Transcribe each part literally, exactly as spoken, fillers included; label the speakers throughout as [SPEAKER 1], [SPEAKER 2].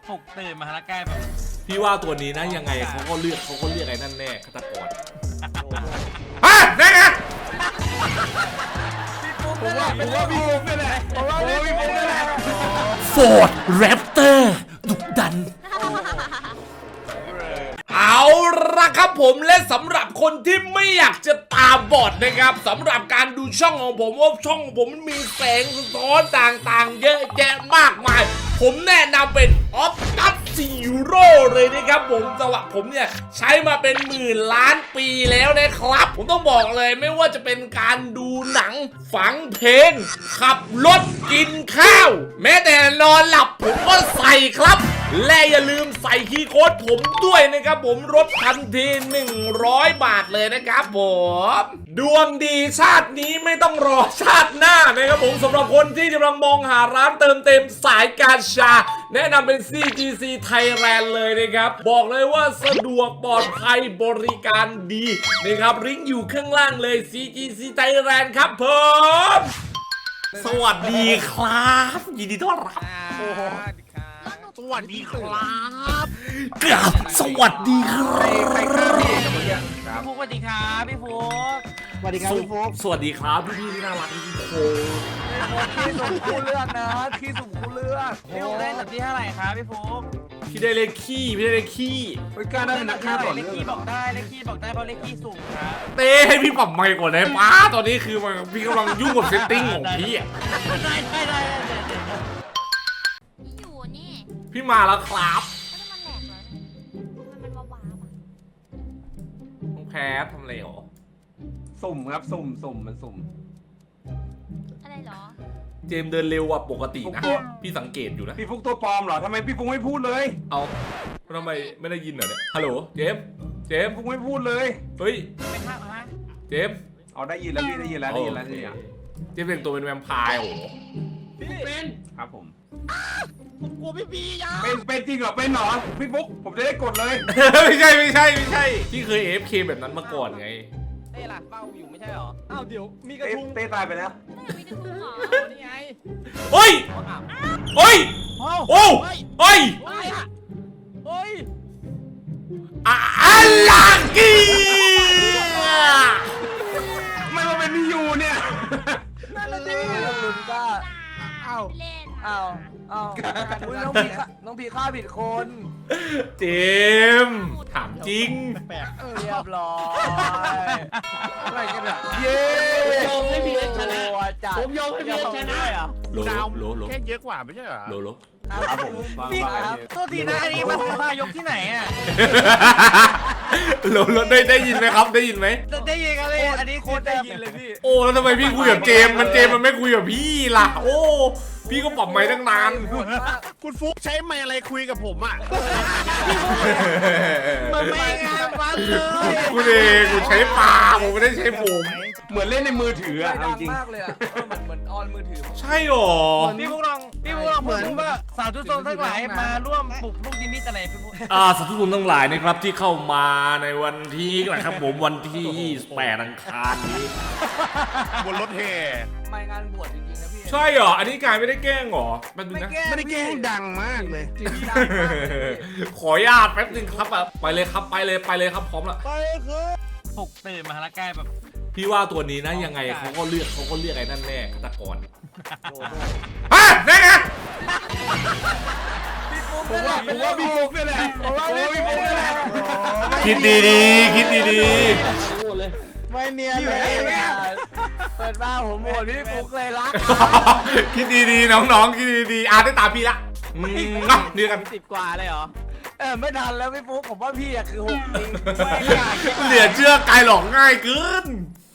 [SPEAKER 1] ปลุกตื่นมาแล้วกลายแบบ
[SPEAKER 2] พี่ว่าตัวนี้นะยังไงเขาก็เลือกเขาก็เรียกไอ้นั่นแน่ฆาตกรฮะแน่ไง
[SPEAKER 3] ผมว่าผมว่าพี่ฟุ๊กนี่แหละผมว่าพี่ฟุ๊กนี่แหละ
[SPEAKER 2] ฟอร์ดแรปเตอร์ดุดันเอาละครับผมและสำหรับคนที่ไม่อยากจะตาบอดนะครับสำหรับการดูช่องของผมว่าช่องของผมมันมีแสงสะท้อนต่างๆเยอะแยะมากมายผมแนะนำเป็นออฟตัสซีโร่เลยนะครับผมสำหรับผมเนี่ยใช้มาเป็นหมื่นล้านปีแล้วนะครับผมต้องบอกเลยไม่ว่าจะเป็นการดูหนังฟังเพลงขับรถกินข้าวแม้แต่นอนหลับผมก็ใส่ครับและอย่าลืมใส่คีย์โค้ดผมด้วยนะครับผมลดทันทีหนึ่งร้อยบาทเลยนะครับผมดวงดีชาตินี้ไม่ต้องรอชาติหน้านะครับผมสำหรับคนที่กำลังมองหาร้านเติมเต็มสายการชาแนะนำเป็น ซี จี ซี Thailand เลยนะครับบอกเลยว่าสะดวกปลอดภัยบริการดีนะครับลิงก์อยู่ข้างล่างเลย ซี จี ซี Thailand ครับผมสวัสดีครับยินดีต้อนรับ
[SPEAKER 3] สวัสดีครับ
[SPEAKER 2] กราบสวัสดีครับ
[SPEAKER 3] ใครฆ่าพี่เอกเมื่อกี้ครับ
[SPEAKER 1] พี่ฟุกสวัสดีครับพี่ฟุก
[SPEAKER 3] สวัสดีครับพี่ฟุ๊ก
[SPEAKER 2] สวัสดีครับพี่พี่ที่น่ารักทุกคน
[SPEAKER 3] พี่สุ่มคู่เลือกนะพี่สุ่มคู่เลือก
[SPEAKER 1] พี่ฟุกได้อันดับที่เท่าไหร่ครับพี่ฟุก
[SPEAKER 2] พี่ได้เลขขี้พี่ได้เลขขี้
[SPEAKER 3] ไม่กล้าได้เป็นนักฆ่าต่อ
[SPEAKER 1] เล
[SPEAKER 3] เนื่
[SPEAKER 1] ข
[SPEAKER 3] อง
[SPEAKER 1] ขี้บอกได้เลขขี้บอกได้เพราะเลขขี้สูงครับ
[SPEAKER 2] เต้ให้พี่ปรับไมค์ก่อนได้ป้าตอนนี้คือมันพี่กำลังยุ่งกับเซตติ้งของพี่อะ
[SPEAKER 1] ได้ได้ได้ได้ได้
[SPEAKER 4] พี่อยู่นี่
[SPEAKER 2] พี่มาแล้วครับ
[SPEAKER 4] แล้วมันแหลกเหรอมันมันว้าวๆอ่ะ
[SPEAKER 2] น้องแพ้ทำอะไรหรอ
[SPEAKER 3] สุ่มครับสุ่มสุ่มมันสุ่ม
[SPEAKER 4] อะไรเหรอ
[SPEAKER 2] เจมส์เดินเร็วกว่าปกตินะ
[SPEAKER 3] ผมกลัว
[SPEAKER 2] พี่สังเกตอยู่นะ
[SPEAKER 3] พี่ฟุ๊กตัวปลอมเหรอทำไมพี่ฟุ๊กไม่พูดเลย
[SPEAKER 2] เอาทำไมไม่ได้ยินเหรอเนี่ยฮัลโหลเจมส์เจมส์
[SPEAKER 3] ฟุ๊กไม่พูดเลย
[SPEAKER 2] เฮ้ย
[SPEAKER 1] เป็นภาพฮะ
[SPEAKER 2] เจมส์
[SPEAKER 3] เอาได้ยินแล้วพี่ได้ยินแล้วได้ยินแล้วได้ยินแล้ว
[SPEAKER 2] เจมส์เป็นตัวเป็นแวมไพร์โอ้โห
[SPEAKER 1] เป็น
[SPEAKER 3] ครับผม
[SPEAKER 1] ผมกลัวพี่บียา
[SPEAKER 3] เป็นเป็นจริงเหรอเป็นเหรอพี่ฟุ๊กผมจะได้กดเลย
[SPEAKER 2] ไม่ใช่ไม่ใช่ไม่ใช่พี่เคย เอ เอฟ เค แบบนั้นมาก่อนไง
[SPEAKER 1] เต้ล่ะเป้าอยู่ไม่ใช่หรอ
[SPEAKER 5] อ้าวเดี๋ยวมีกระ
[SPEAKER 3] เต้
[SPEAKER 5] ทุง
[SPEAKER 3] เต้ตายไปแล้ว
[SPEAKER 4] ไม่ได้พูดหรอ
[SPEAKER 1] นี่ไง
[SPEAKER 2] เฮ้ย
[SPEAKER 1] อ้าว
[SPEAKER 2] เฮ้ย
[SPEAKER 1] โอ้
[SPEAKER 2] โอ้เฮ้ย
[SPEAKER 1] เฮ้ยเฮ้ย
[SPEAKER 2] อะลังกี
[SPEAKER 3] ไม่มาเป็นพี่ยูเนี่ย
[SPEAKER 5] นั่นน่ะดิลุนก้าอ้าว
[SPEAKER 4] เล่น
[SPEAKER 5] อ้าวอ้าวอุ๊ยน้องพีฆ่าน้องพีฆ่าผิดคน
[SPEAKER 2] เจมส์ถามจริง
[SPEAKER 5] แปลกเรียบร้อยอะไรกันเนี่ยเย้
[SPEAKER 1] ยอมให้พีเอสชนะ
[SPEAKER 5] จัด
[SPEAKER 1] ผมยอมให้พี่เอสชนะ
[SPEAKER 5] เหรอ
[SPEAKER 2] โลโลโล
[SPEAKER 6] แค่เยอะกว่าไม่ใช่เหรอ
[SPEAKER 2] โลโล
[SPEAKER 3] ครับผมฟัง
[SPEAKER 1] พี่
[SPEAKER 3] ว่าไง
[SPEAKER 1] โทษทีนะอันนี้มันพายกที่ไหนอ่ะ
[SPEAKER 2] โลโลได้ได้ยินไหมครับได้ยินไหม
[SPEAKER 1] ได้ยินกันเลยอันนี้โคตรได้ยินเลยพี่
[SPEAKER 2] โอ้แล้วทำไมพี่คุยกับเจมส์มันเจมส์มันไม่คุยกับพี่ล่ะ โอ้พี่ก็ปรับไมค์ตั้งนาน
[SPEAKER 6] คุณฟุกใช้ไมค์อะไรคุยกับผมอ่ะ
[SPEAKER 1] มันไม่งามมันเลย
[SPEAKER 2] กูเองกูใช้ปลาผมไม่ได้ใช้ผม
[SPEAKER 3] เหมือนเล่นในมือถืออะเอา
[SPEAKER 5] ดัง
[SPEAKER 3] จริง
[SPEAKER 5] มากเลยอ่ะเออเหมือนเหมือนออนมือถือ
[SPEAKER 2] ใช่หรอ
[SPEAKER 1] พี่พวกลองพี่พวกลองเหมือนว่าสาวทุกโซนทั้งหลายมาร่วมปลุกลูกดิมิตอะไรพี่พวก
[SPEAKER 2] อ่าสาธุชนทั้งหลายนะครับที่เข้ามาในวันที่นะครับผมวันที่แปดอังคารนี้
[SPEAKER 6] บนรถแห่
[SPEAKER 5] ไม่งานบวชจริงๆนะพี่
[SPEAKER 2] ใช่เหรออันนี้กายไม่ได้แกล้งเหรอแป๊บนึงนะ
[SPEAKER 6] ไม่ได้แกล้งดังมากเลย
[SPEAKER 5] จริงๆดังมากเลย
[SPEAKER 2] ขออนุญาตแป๊บนึงครับแบบไปเลยครับไปเลยไปเลยครับพร้อมละ
[SPEAKER 6] ไปคือ
[SPEAKER 1] ปลุกตื่นมาแล้วกลายแบบ
[SPEAKER 2] พี่ว่าตัวนี้นะยังไงเขาก็เลือกเขาก็เลือกไอ้นั่นแน่ฆาตกร
[SPEAKER 5] โดโด
[SPEAKER 2] ฮะแน่ไง
[SPEAKER 3] ผมว่าผมว่าพี่ฟุ๊กนี่แหละผมว่าพี่ฟุ๊กนี่แหละ
[SPEAKER 2] คิดดีๆคิดดี
[SPEAKER 5] ไม่เนียนเลยเปิดบ้าผมโหวตพี่ฟุกเลยรัก
[SPEAKER 2] ๆคิดดีๆน้องๆคิดดีๆอ่านได้ตามพี่ละอืมเนาะเดียวกัน
[SPEAKER 1] สิบกว่าเลยเหรอ
[SPEAKER 5] เออไม่ทันแล้วพี่ฟุกผมว่าพี่อะคือหกจริง
[SPEAKER 2] เหลือเชื่อกายหลอกง่ายเกิน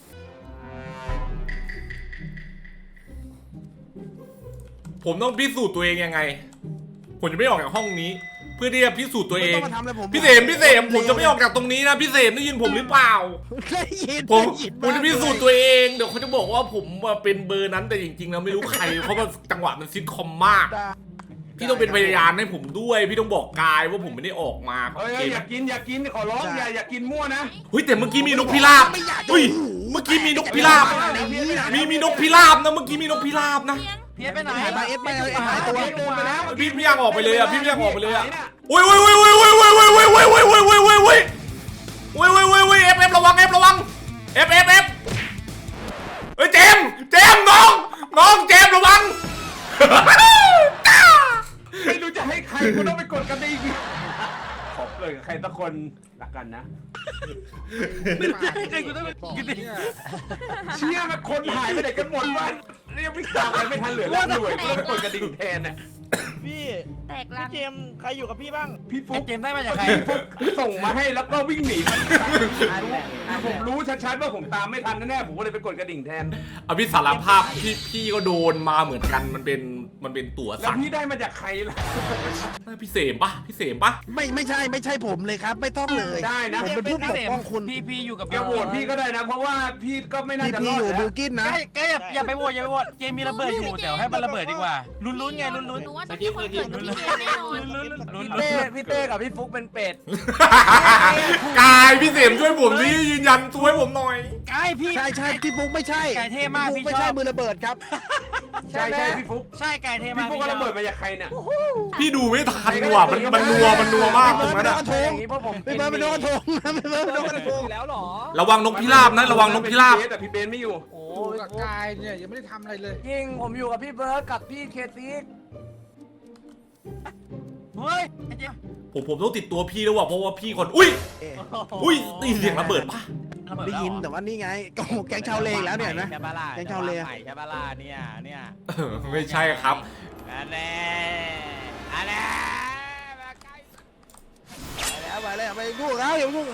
[SPEAKER 2] ผมต้องพิสูจน์ตัวเองยังไง ผมจะไม่ออกจากห้องนี้ เพื่อที่จะพิสูจน์ตัวเอง
[SPEAKER 6] ไม่ต้องมาทำอะไรผม
[SPEAKER 2] พี่เสมพี่เสมผมจะไม่ออกจากตรงนี้นะพี่เสมได้ยินผมหรือเปล่า
[SPEAKER 6] ได้ยิน
[SPEAKER 2] ผม
[SPEAKER 6] ได้ยิน
[SPEAKER 2] ผมจะพิสูจน์ตัวเองเดี๋ยวเขาจะบอกว่าผมเป็นเบอร์นั้นแต่จริงๆแล้วไม่รู้ใคร เพราะว่าจังหวะมันซิทคอมมาก พี่ต้องเป็นพยานให้ผมด้วย พี่ต้องบอกกายว่าผมไม่ได้ออกมา
[SPEAKER 3] เฮ้ยอยากกินอยากกินขอร้องอย่าอยากกินมั่วนะ
[SPEAKER 2] เฮ้ยแต่เมื่อกี้มีนกพิราบเฮ้ยเมื่อกี้มีนกพิราบมีมีนกพิราบนะเมื่อกี้มีนกพิราบนะ
[SPEAKER 3] พ
[SPEAKER 1] พี่ไปไหน
[SPEAKER 6] หายไปเอฟไปเลยหายตัว
[SPEAKER 2] พี่พี่ยังออกไปเลยอ่ะพี่ยังออกไปเลยอ่ะอุ้ยอุ้ยอุ้ยอุ้ยอุ้ยอุ้ยอุ้ยอุ้ยอุ้ยอุ้ยอุ้ยอุ้ยอุ้ยอุ้ยอุ้ยอุ้ยอุ้ยเอฟเอฟระวังเอฟระวังเอฟเอฟเอฟเฮ้ยเจมเจมน้องน้องเจมระวัง
[SPEAKER 5] ไม่รู้จะให้ใครกูต้องไปกดกระดิ่งขอบเลยใครสักคนรักกันนะ
[SPEAKER 1] ไอ้กูต้องไปกินดิ
[SPEAKER 5] เชี่ยมันคนหายไปไหนกันหมดวะเรียกวิ่งตามกันไม่ทันเหลือแล้วหน่วยกูต้องไปกดกระดิ่งแทนน่ะ
[SPEAKER 3] พี่
[SPEAKER 4] แตกลั
[SPEAKER 3] พี่
[SPEAKER 4] ง
[SPEAKER 3] เจมส์ใครอยู่กับพี่บ้าง
[SPEAKER 5] พี่ฟุ๊ก
[SPEAKER 1] เจมได้มาจากใคร
[SPEAKER 5] พี่ฟุ๊กส่งมาให้แล้วก็วิ่งหนีผมรู้ชัดๆว่าผมตามไม่ทันแน่ๆผมก็เลยไปกดกระดิ่งแทน
[SPEAKER 2] เอาพี่สารภาพพี่พี่ก็โดนมาเหมือนกันมันเป็นมันเป็นตั๋ว
[SPEAKER 5] แล้ว
[SPEAKER 2] สั่ง
[SPEAKER 5] พี่ได้มาจากใครล่ะ
[SPEAKER 2] พี่เสมปะพี่เสมปะ
[SPEAKER 6] ไม่ไม่ใช่ไม่ใช่ผมเลยครับ ไม่ต้องเลย
[SPEAKER 5] ได้นะ
[SPEAKER 6] ผมเป็นผู้ปกป้องคุณ
[SPEAKER 1] พี่พี่อยู่กับ
[SPEAKER 5] อย่าโหวตพี่ก็ได้นะ เพราะว่าพี่ก็ไม่น่า
[SPEAKER 6] พี่
[SPEAKER 5] จะร
[SPEAKER 6] พี่
[SPEAKER 5] อด
[SPEAKER 6] อยู่บิ
[SPEAKER 5] แล้ว
[SPEAKER 6] ลกินนะ
[SPEAKER 1] ใกล้ใกล้อย่าอย่าไปโหวตอย่าไปโหวตเจมมีระเบิดอยู่เดี๋ยวให้มันระเบิดดีกว่าลุ้นๆไงลุ้น
[SPEAKER 4] หนูว่าต้องมีคนเกิดกับพี่เจมแน่นอน
[SPEAKER 1] ลุ้น
[SPEAKER 5] พี่เต้พี่เต้กับพี่ฟุ๊กเป็นเป็ด
[SPEAKER 2] กายพี่เสมช่วยผมนี่ยืนยันตัวให้ผมหน่อย
[SPEAKER 1] ใกล้พี่
[SPEAKER 6] ใช่ใช่พี่ฟุกไม่ใช่
[SPEAKER 1] ไก่เท่มาก
[SPEAKER 6] พี่
[SPEAKER 1] พี่
[SPEAKER 6] ฟุ๊ไม่
[SPEAKER 1] ชอ
[SPEAKER 6] ใช่
[SPEAKER 1] บ
[SPEAKER 6] มือระเบิดครับ
[SPEAKER 5] ใช่ใช่พี่ฟุ๊ก
[SPEAKER 1] ใช่ไก่เท่
[SPEAKER 5] พี่
[SPEAKER 1] มาก
[SPEAKER 5] ฟุ๊กก็ระเบิดมาจากใครเนี่ย
[SPEAKER 2] พี่ดูไม่ทันว่ะมันมันนัวมันนัวมากตรงนั้นอะ
[SPEAKER 5] อย่างนี้เพราะผม
[SPEAKER 6] พี่เบิร์ดเป็นโดนกระทงนะพี่เบิร์ดเป็นโดนกระทง
[SPEAKER 3] แล้วหรอ
[SPEAKER 2] ระวังนกพิราบนะระวังนกพิราบ
[SPEAKER 5] แต่พี่เบนไม่อยู่
[SPEAKER 3] โอ้กับกายเนี่ยยังไม่ได้ทำอะไรเลย
[SPEAKER 5] จริงผมอยู่กับพี่เบิร์ดกับพี่เคซิก
[SPEAKER 1] เฮ้ยไอ้เจม
[SPEAKER 2] ผมผมต้องติดตัวพี่แล้วว่ะเพราะว่าพี่คนอุ้ยอุ้ยได้ยินเสียงระเบิดปะ
[SPEAKER 6] ได้ยินแต่ว่านี่ไงก็แก๊งชาวเลอีกแล้วเนี่ยนะ
[SPEAKER 3] ใช่ปะล่ะ
[SPEAKER 6] แก๊งชาวเล
[SPEAKER 3] ใหม่ใช่ปะล่ะเนี่ยเนี่ย
[SPEAKER 2] เออไม่ใช่ครับ
[SPEAKER 3] อันแน่อันแน่มาใกล้
[SPEAKER 6] ไปแล้วไปแล้วไปลูกแล้วอย่าลูก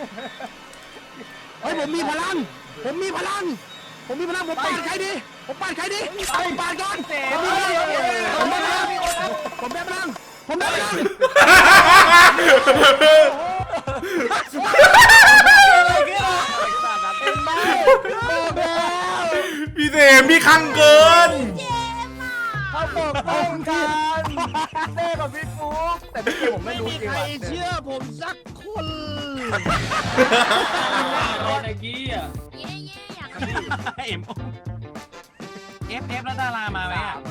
[SPEAKER 6] เฮ้ยผมมีพลัง ผมมีพลัง ผมมีพลังผมปาดใครดีผมปาดใครดีผมปาดก่อนผมมีพลังผมมีพลังผมมีพลังผมมีพลัง
[SPEAKER 2] พี่เสมพี่คังเกิน
[SPEAKER 5] เขาบอกป้องกันเต้กับพี่ฟุ๊กแต่พี่เต้ผมไม่รู้จริง
[SPEAKER 6] ใคร
[SPEAKER 5] ว่ะ
[SPEAKER 6] เชื่อผมสักคน
[SPEAKER 4] เย่เย่อยาก
[SPEAKER 1] เอ็มเอฟเอฟแล้วดารามาไหมอ่ะ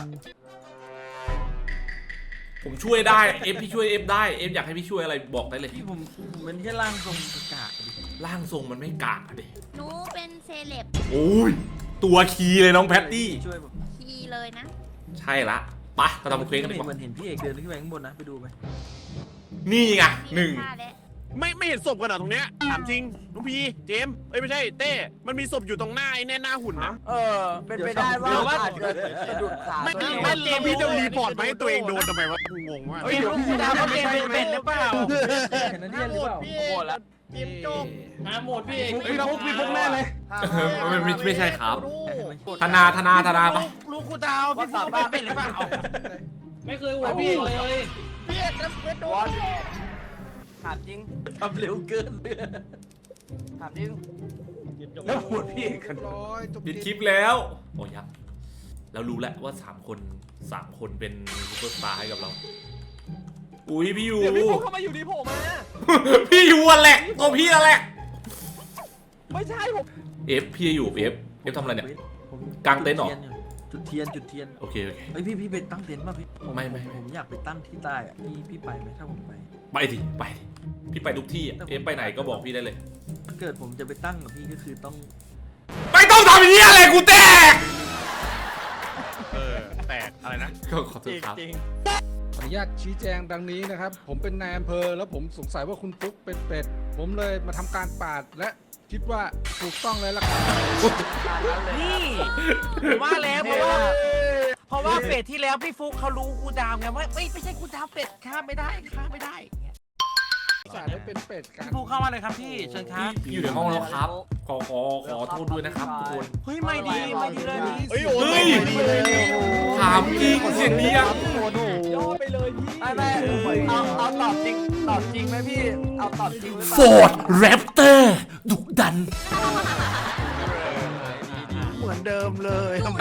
[SPEAKER 2] ผมช่วยได้เอฟพี่ช่วยเอฟได้เอฟอยากให้พี่ช่วยอะไรบอกได้เลย
[SPEAKER 1] พี่ผมเป็นแค่ร่างทรงกาก
[SPEAKER 2] ร่างทรงมันไม่กากอะดิ
[SPEAKER 4] หนูเป็นเซเลบ
[SPEAKER 2] โอ้ยตัวคีย์เลยน้องแพตตี้
[SPEAKER 1] ช่วยผม
[SPEAKER 4] ทีเลยนะ
[SPEAKER 2] ใช่ละไปเราทำเควสกันดีก
[SPEAKER 1] เหมื
[SPEAKER 2] ว่า
[SPEAKER 1] อนเห็นพี่เอกเดินขึ้นไปข้างบนนะไปดูไหม
[SPEAKER 2] นี่ไงหนึ่ง
[SPEAKER 4] ฆ่าและ
[SPEAKER 6] ไม่ไม่เห็นศพกันเหรอตรงเนี้ยถามจริงน้องพีเจมส์เอ้ยไม่ใช่เต้มันมีศพอยู่ตรงหน้าไอ้แน่หน้าหุ่นนะ
[SPEAKER 5] เออเป็นไปได้ว่าอาจจะสะดุดขา
[SPEAKER 6] ไม่
[SPEAKER 5] ตัวเอง
[SPEAKER 6] ไม่แล้วพี่จะรีพอร์ตมาให้ตัวเองโดนทำไมวะกูงงมาก
[SPEAKER 5] เฮ้ยเดี๋ยวพี่
[SPEAKER 1] พี่ดา
[SPEAKER 5] ดาว ว
[SPEAKER 1] เขา
[SPEAKER 5] ไม่
[SPEAKER 1] เจม
[SPEAKER 5] ใช่
[SPEAKER 1] เป็นเป็นหรือเปล่า
[SPEAKER 3] เห็นนั่นเรียนหรือเปล่า
[SPEAKER 6] พี่
[SPEAKER 5] โหดละ
[SPEAKER 6] เจมส์โจ๊ก
[SPEAKER 3] มาหมดพี่เอก
[SPEAKER 5] พี่ฟุ๊กพี่ฟุ๊กแน่เลย
[SPEAKER 2] ไม่ไม่ไม่ใช่ครับธนาธนาธนาไป
[SPEAKER 1] ลูกกูดาวพี่ฟุ๊กเป็นเป็นหรือเปล่า
[SPEAKER 3] ไม่เคยหัวพี่เลย
[SPEAKER 6] พี่เจมส์โดน
[SPEAKER 5] ถามจริง
[SPEAKER 1] ทำเร็วเกิน
[SPEAKER 5] ถามจริงแล้วพูดพี่กัน
[SPEAKER 6] ร้อยจบ
[SPEAKER 2] ปิดคลิปแล้วโอ้ยังเรารู้แล้วว่าสามคนสามคนเป็นซูเปอร์สตาร์ให้กับเราอุ้ยพี่ยู
[SPEAKER 3] เดี๋ยวพี่ฟุ๊กเข้ามาอยู่ดีโผล่มา
[SPEAKER 2] พี่ยูอะแหละตัวพี่อะแหละ
[SPEAKER 3] ไม่ใช่ผม
[SPEAKER 2] เอฟพี่อยู่เอฟเอฟทำอะไรเนี่ย กางเต็นท์เหรอ
[SPEAKER 1] จุดเทียนจุดเทียน
[SPEAKER 2] โอเคโอเค
[SPEAKER 1] เฮ้ยพี่พี่ไปตั้งเต็นท์ป่ะพี่
[SPEAKER 2] ไม่ไม่ไม่
[SPEAKER 1] ผมอยากไปตั้งที่ใต้อะพี่พี่ไปไหมถ้าผมไป
[SPEAKER 2] ไปดิไปดิพี่ไปทุกที่อะเอฟไปไหนก็บอกพี่ได้เลย
[SPEAKER 1] ถ้าเกิดผมจะไปตั้งกับพี่ก็คือต้อง
[SPEAKER 2] ไม่ต้องทำอย่างนี้อะไรกูแตก
[SPEAKER 6] เออแตกอะไรนะ
[SPEAKER 2] ก็ขอโทษครับ
[SPEAKER 7] ขออนุญาตชี้แจงดังนี้นะครับ ผมเป็นนายอำเภอแล้วผมสงสัยว่าคุณฟุ๊กเป็นเป็ด ผมเลยมาทำการปาดและคิดว่าถูกต้องเลยล่ะครับ
[SPEAKER 1] นี่ผมว่าแล้วเพราะว่าเพราะว่าเป็ดที่แล้วพี่ฟุ๊กเขารู้กูดาวไงว่าไม่ไม่ใช่กูดาวเป็ดฆ่าไม่ได้ฆ่าไม่ได้อย่างเงี้ย
[SPEAKER 7] สาดได้เป็นเป็ดกัน
[SPEAKER 1] พี่ฟุ๊กเข้ามาเลยครับพี่เชิญครับ
[SPEAKER 2] พี่อยู่ในห้องแล้วครับ ขอขอขอโทษด้วยนะครับทุกคน
[SPEAKER 1] เฮ้ยไม่ดีไม่ดีเลยพี่
[SPEAKER 6] เฮ้ยโอ้
[SPEAKER 2] เฮ้ย
[SPEAKER 6] ดีเลย
[SPEAKER 2] ถามจริงเสียงนี้ยัง
[SPEAKER 3] ย่อไปเลยพี่
[SPEAKER 5] ไม่ไม่เอาเอาตอบจริงตอบจริงไหมพี่ เอาตอบจริงหรือเป
[SPEAKER 2] ฟ
[SPEAKER 5] ล่า
[SPEAKER 2] อร์ดแรปเตอร์ดุดัน
[SPEAKER 6] เหมือนเดิมเลยทำไม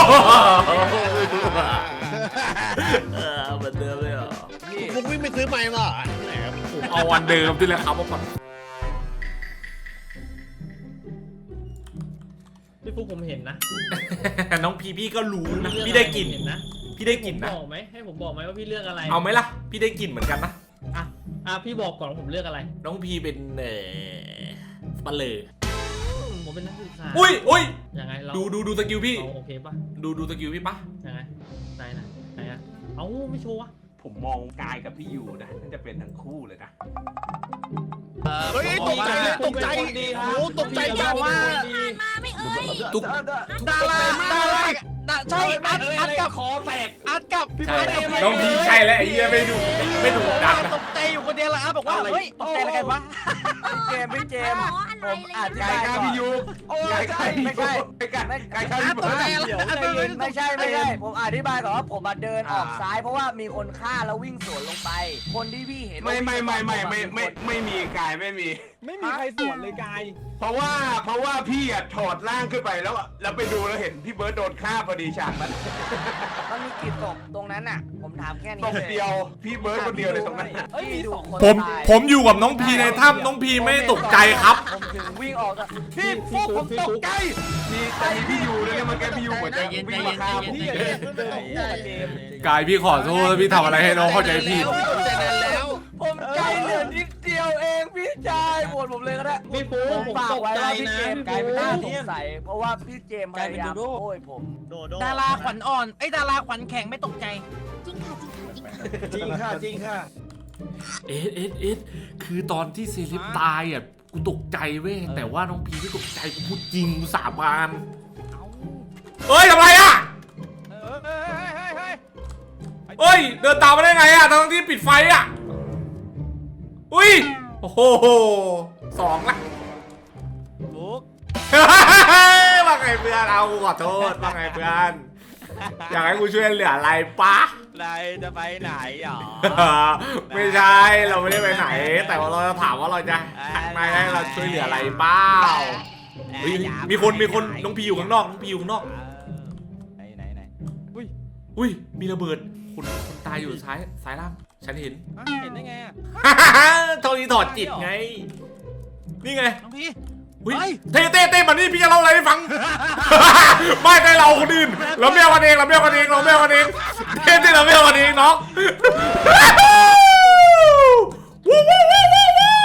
[SPEAKER 2] เออเหมือนเดิมเลยเหรอ
[SPEAKER 6] ฟุกวิ่งไปซื้อไม้มาเหรอไหนครับ
[SPEAKER 2] ผมเอาวันเดิมที่เลยครับว่าก่อน
[SPEAKER 3] พี่
[SPEAKER 8] ฟุกผมเห็นนะ
[SPEAKER 2] น้องพีพี่ก็รู้นะพี่ได้กลิ่น
[SPEAKER 8] เห็นนะ
[SPEAKER 2] พี่ได้กลิ่นนะ
[SPEAKER 8] บอกไหมให้ผมบอกไหมว่าพี่เลือกอะไร
[SPEAKER 2] เอาไหมล่ะพี่ได้กลิ่นเหมือนกันนะ
[SPEAKER 8] อ่ะอ่ะพี่บอกก่อนว่าผมเลือกอะไร
[SPEAKER 2] น้องพีเป็นเอ่อปลาเลย
[SPEAKER 8] ผมเป็นนักศึกษา
[SPEAKER 2] อุ้ยอุ้ย
[SPEAKER 8] ยังไงเรา
[SPEAKER 2] ดูดูดูสกิลพี่
[SPEAKER 8] เราโอเคปะ
[SPEAKER 2] ดูดูสกิลพี่ปะ
[SPEAKER 8] ยังไงไหนนะไหนอะเอ้าไม่โชว์วะ
[SPEAKER 5] ผมมองกายกับพี่ยูนะน่าจะเป็นทั้งคู่เลยนะ
[SPEAKER 6] เฮ้ยตกใจเลยตกใจโอ้ตกใจจังว่า
[SPEAKER 4] มาไม่เอ่ย
[SPEAKER 2] ตุ๊ก
[SPEAKER 1] ดาราดาราดาใช่อัดอัดกับ
[SPEAKER 5] คอแตก
[SPEAKER 1] อัดกับพี่
[SPEAKER 2] ใช่
[SPEAKER 1] เบิร์ด
[SPEAKER 2] น้องพีใช่แล้วไอ้เหี้ยไม่ดูไม่ดูดังนะ
[SPEAKER 1] ตกใจอยู่คนเดียวละอัดบอกว่าเฮ้ยตกใจอะไรกันวะ
[SPEAKER 3] เจมส์พี่เจมส์
[SPEAKER 4] อ๋ออะไร
[SPEAKER 3] ผมอธิ
[SPEAKER 5] กา
[SPEAKER 3] บาย ย
[SPEAKER 5] กาย
[SPEAKER 3] ก่อน
[SPEAKER 5] พี่ยู
[SPEAKER 3] โอ้ย
[SPEAKER 5] กายกาย
[SPEAKER 3] ไม่ใช่
[SPEAKER 5] ไม่กายกายกาย
[SPEAKER 1] อัด
[SPEAKER 5] พี่
[SPEAKER 1] ตกใจ
[SPEAKER 5] เบิร์ด
[SPEAKER 1] อะไรอัดไม่
[SPEAKER 3] ไม่ใช่ไม่ใช่ ผมอธิบายก่อนว่าผมมาเดินออกซ้ายเพราะว่ามีคนฆ่าแล้ววิ่งสวนลงไป คนที่พี่เห็น
[SPEAKER 5] ไม่ไม่ไม่ไม่ไม่ไม่ไม่มีกายไม่มี
[SPEAKER 3] ไม่มีใครสวนเลยกาย
[SPEAKER 5] เพราะว่าเพราะว่าพี่อะถอดร่างขึ้นไปแล้วอะแล้วไปดูแล้วเห็นพี่เบิร์ดโดนฆ่าพอดีฉากนั้น
[SPEAKER 3] มันมีกี่ศพตรงนั้นน่ะ ผมถามแค่นี้
[SPEAKER 5] ตบเดียวพี่เบิร์ดคนเดียวเลยตรงนั้น
[SPEAKER 3] เฮ้ยมีสองคน
[SPEAKER 2] ผม
[SPEAKER 3] ตาย
[SPEAKER 2] ผมอยู่กับน้องพีในถ้ำน้องพีไม่ตกใจครับ
[SPEAKER 3] ผมถึงวิ่งออกจาก
[SPEAKER 5] พี่ฟุกผมตกใจมีแต่มีพี่ยูด้วยเนี่ยมันแกพี่ยูเหมือนจะวิ่งมาฆ่าผม
[SPEAKER 3] พี่เดินเดินคู่กับเจมส์
[SPEAKER 2] กายพี่ขอโทษพี่ทำอะไรให้น้องเข้าใจผิด
[SPEAKER 3] ผมใจเหลือนิดเดียวเองพี่ชายโหวตผมเลยก็ได้
[SPEAKER 8] พี่ฟุก
[SPEAKER 3] ผม
[SPEAKER 8] ผม
[SPEAKER 3] ฝาก
[SPEAKER 8] ตก
[SPEAKER 3] ไว้
[SPEAKER 8] ใจ
[SPEAKER 3] ว่าพี่
[SPEAKER 8] นะ
[SPEAKER 3] เจมส์กลายเป็นน่าสงสัยเพราะว่าพี่เจมส์พยายามโอ้ยผม
[SPEAKER 1] ดาราขวัญอ่อนไอ้ดาราขวัญแข็งไม่ตกใจ
[SPEAKER 4] จริงค่ะจริงค่ะจริงค่ะ
[SPEAKER 6] จริงค่ะจริงค่ะ
[SPEAKER 2] เอสเอสเอสคือตอนที่เซเลบตายอ่ะกูตกใจเว้ยแต่ว่าน้องพีไม่ตกใจกูพูดจริงกูสาบานเอ้ยทำไรอ่ะเอ้ยเดินตามมาได้ไงอ่ะทั้งที่ปิดไฟอ่ะอุ้ยโอ้โหสองละ
[SPEAKER 1] ฟุก
[SPEAKER 2] ว่าไงเพื่อนเอากูขอโทษว่าไงเพื่อนอยากให้กูช่วยเหลืออะไรปะ
[SPEAKER 1] นายจะไปไหนหรอ
[SPEAKER 2] ไม่ใช่เราไม่ได้ไปไหน แต่ว่าเราจะถามว่าเราจะไม่ให้เราช่วยเหลืออะไรเปล่าเฮ้ยมีคนมีคนน้องพีอยู่ข้างนอกน้องพีอยู่ข้างนอก
[SPEAKER 1] ไหนไหนไหน
[SPEAKER 2] อุ้ยมีระเบิดคนคนตายอยู่ซ้ายซ้ายล่างฉันเห็น
[SPEAKER 1] เห็นได้ไงอ่ะ
[SPEAKER 2] เท่านี้ถอดจิตไงนี่ไง
[SPEAKER 1] น้องพี่
[SPEAKER 2] อุ้ยเต้เต้เต้มานี่พี่จะเล่าอะไรให้ฟัง ไม่ได้เราคนอื่นเราไม่เอากันเองเราไม่เอากันเองเราไม่เอากันเองเต้เต้เราไม่เอากันเองน้องวู้วู้วู้วู้วู้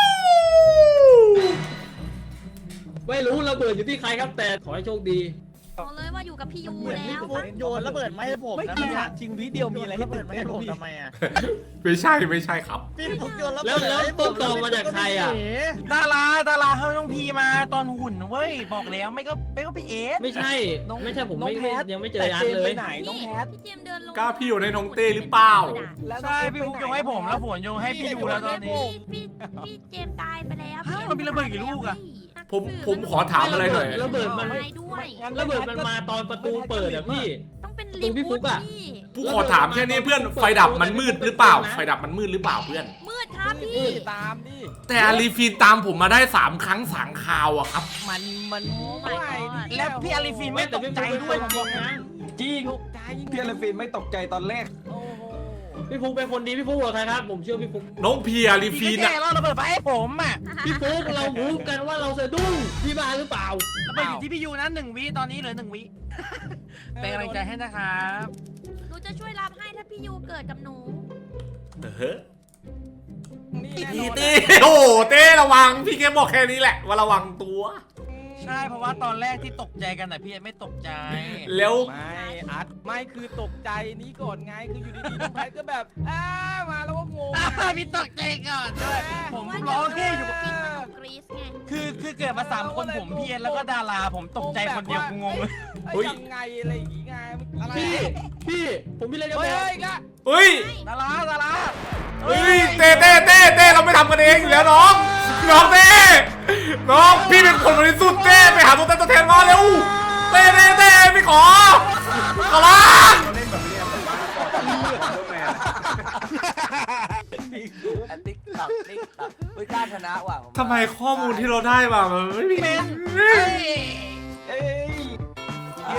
[SPEAKER 8] ไม่รู้ระเบิดอยู่ที่ใครครับแต่ขอให้โชคดี
[SPEAKER 4] บอกเลยว่าอยู่กับพี่ยูแล้ว
[SPEAKER 3] โยนระเบิดมาให้ผมนะมันจริงวิดีโอมีอะไรให้เปิดมาให้ผมทำไมอ่ะ
[SPEAKER 2] ไม่ใช่ไม่ใช่ครับ
[SPEAKER 3] พี่ผมโยนระ
[SPEAKER 8] แล้ว
[SPEAKER 3] เบิด
[SPEAKER 8] แล้วต้นตอมาจากใครอ่ะ
[SPEAKER 1] ดาราดาราให้น้องพีมาตอนหุ่นเว้ยบอกแล้วไม่ก็ไม่ก็พี่เอส
[SPEAKER 8] ไม่ใช่ไม่ใช่ผมไม่ไม่ยังไม่เจออาร์ตเลย
[SPEAKER 3] น้องแพท
[SPEAKER 4] พี่เจมส์เดินลง
[SPEAKER 2] กล้าพี่อยู่ในน้องเต้หรือเปล่า
[SPEAKER 1] ใช่พี่ฟุกโยงให้ผมแล้วผมโยงให้พี่ยูแล้วตอนนี้
[SPEAKER 4] พี่พี่เจมส์ตายไปแล้ว
[SPEAKER 1] ฮะมันมีระเบิดกี่ลูกอะ
[SPEAKER 2] ผมผมขอถามอะไรหน่อย
[SPEAKER 8] ระเบิดมัน
[SPEAKER 4] ไปด้วย
[SPEAKER 8] ระเบิดมันมาตอนประตูเปิดอะพี่
[SPEAKER 4] ต้องเป็น
[SPEAKER 8] ตรงพี่ฟุกอะ
[SPEAKER 4] พี่
[SPEAKER 2] ผู้ขอถามแค่นี้เพื่อนไฟดับมันมืดหรือเปล่าไฟดับมันมืดหรือเปล่าเพื่อน
[SPEAKER 4] มืดครับพี่
[SPEAKER 3] ตามดิ
[SPEAKER 2] แต่อาลีฟีนตามผมมาได้สามครั้งสามคราวอะครับ
[SPEAKER 1] มันมัน
[SPEAKER 4] โอ้ my god
[SPEAKER 1] แล้วพี่อาริฟีนไม่ตกใจด้วยผมบอกนะ
[SPEAKER 8] จริง
[SPEAKER 3] พี่อลฟินไม่ตกใจตอนแรก
[SPEAKER 8] พี่ฟุกเป็นคนดีพี่ฟุกเหรอใครครับผมเชื่อพี่ฟุก
[SPEAKER 2] น้องพีอาลีฟี
[SPEAKER 1] พี่
[SPEAKER 2] น
[SPEAKER 1] แก
[SPEAKER 2] อะ
[SPEAKER 1] เราระเบิดไปให้ผมอ่ะ
[SPEAKER 8] พี่ฟุกเราพูดกันว่าเราสะดุ้งพี่มาหรือเปล่า
[SPEAKER 1] ระเบิดอยู่ที่พี่ยูนะหนึ่งวิตอนนี้เหลือหนึ่งวิเป็นกำลังใจให้นะครับ
[SPEAKER 4] หนูจะช่วยรับให้ถ้าพี่ยูเกิดกับหนู
[SPEAKER 2] เออพี่เต้โอ้โหเต้ระวังพี่แค่บอกแค่นี้แหละว่าระวังตัว
[SPEAKER 1] ใช่เพราะว่าตอนแรกที่ตกใจกันแต่พี่ไม่ตกใจ
[SPEAKER 2] แล้ว
[SPEAKER 3] ไม่อัดไม่คือตกใจนี้ก่อนไงคืออยู่ดีๆน้องแพทก็แบบอ้ามาแล้วก็งง
[SPEAKER 1] อ่าพี่ตกใจก่อนด้วยผมร้องแค่อยู่
[SPEAKER 4] กินขนมกรีซไง
[SPEAKER 1] คือคือเกิดมาสามคนผมพี่เอ็นแล้วก็ดาราผมตกใจคนเดียวกูงงเลย
[SPEAKER 3] เฮ้ยยังไงอะไรอย่างงี้ไงอะไร
[SPEAKER 8] พี่พี่ผมมีอะไรจะบ
[SPEAKER 3] เฮ้
[SPEAKER 8] อย ก
[SPEAKER 3] อีกละ
[SPEAKER 2] เฮ้ย
[SPEAKER 1] ดาราดารา
[SPEAKER 2] เฮ้ยเต้เต้เต้เต้เราไม่ทำกันเองอยู่แล้วน้องน้องเต้น้องพี่เป็นคนบริสุทธิ์เต้ไปหาตัวเต้นตัวแทนมาเร็วเต้เต้เต้พี่ขอขอร้อง
[SPEAKER 3] ติ๊กตักติ๊กตักเฮ้ยกล้าชนะว่ะ
[SPEAKER 2] ทำไมข้อมูลที่เราได้มามันไม่มี
[SPEAKER 1] เป็น
[SPEAKER 3] เอ้ยเย้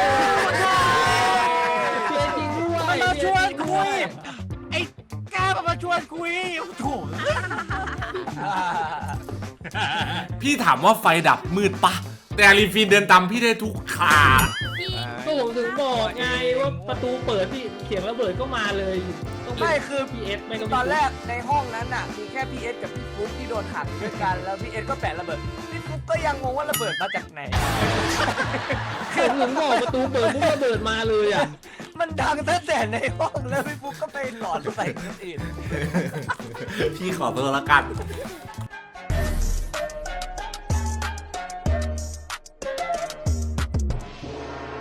[SPEAKER 8] เชื่อจริงด้วย
[SPEAKER 1] มันมาชวนคุยไอ้กล้ามันมาชวนคุยโอ้โห
[SPEAKER 2] พี่ถามว่าไฟดับมืดปะแต่อารีฟีนเดินตามพี่ได้ทุกขา
[SPEAKER 4] พี่
[SPEAKER 8] ก็ผมถึงบอกไงว่าประตูเปิดพี่เสียงระเบิดก็มาเลยต้อง
[SPEAKER 3] ไม่คือ
[SPEAKER 8] พีเอสไม่ก็
[SPEAKER 3] ตอนแรกในห้องนั้นน่ะมีแค่พีเอสกับพี่ฟุ๊กที่โดนขังด้วยกันแล้วพีเอสก็แปะระเบิดพี่ฟุ๊กก็ยังงงว่าระเบิดมาจากไหน
[SPEAKER 8] ผมถึงบอกประตูเปิดปุ๊บระเบิดมาเลยอ่ะ
[SPEAKER 3] มันดังตั้งแต่ในห้องแล้วพี่ฟุ๊กก็ไปหลอนใส่คนอื่น
[SPEAKER 2] พี่ขอตัวละกัน